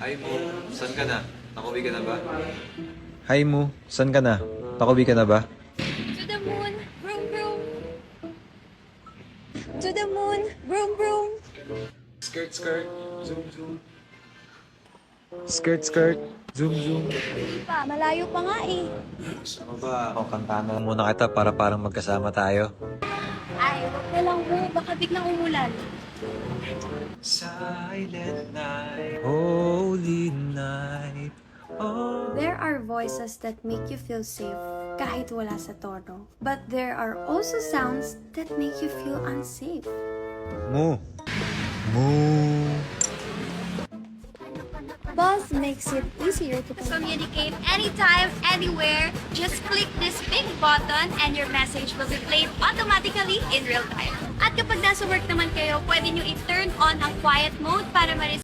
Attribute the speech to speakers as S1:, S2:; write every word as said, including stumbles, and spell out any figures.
S1: Hi mo, saan ka na? Nakauwi ka na ba?
S2: Hi Mu, saan ka na? Pakuwi ka na ba?
S3: To the moon, vroom vroom. To the moon, vroom vroom.
S1: Skirt, skirt, zoom, zoom.
S2: Skirt, skirt, zoom, zoom.
S3: Pa, malayo pa nga eh.
S2: Ano ba? O, kantahan na lang muna kita para parang magkasama tayo.
S3: Ay, wag na lang mo. Baka biglang umulan.
S2: Silent night, holy night, oh.
S4: There are voices that make you feel safe kahit wala sa tono. But there are also sounds that make you feel unsafe.
S2: Mu. Mu.
S4: Buzz makes it easier to
S3: Communicate anytime, anywhere. Just click this big button and your message will be played automatically in real time. At kapag nasa work naman kayo, pwede nyo i-turn on ang quiet mode para ma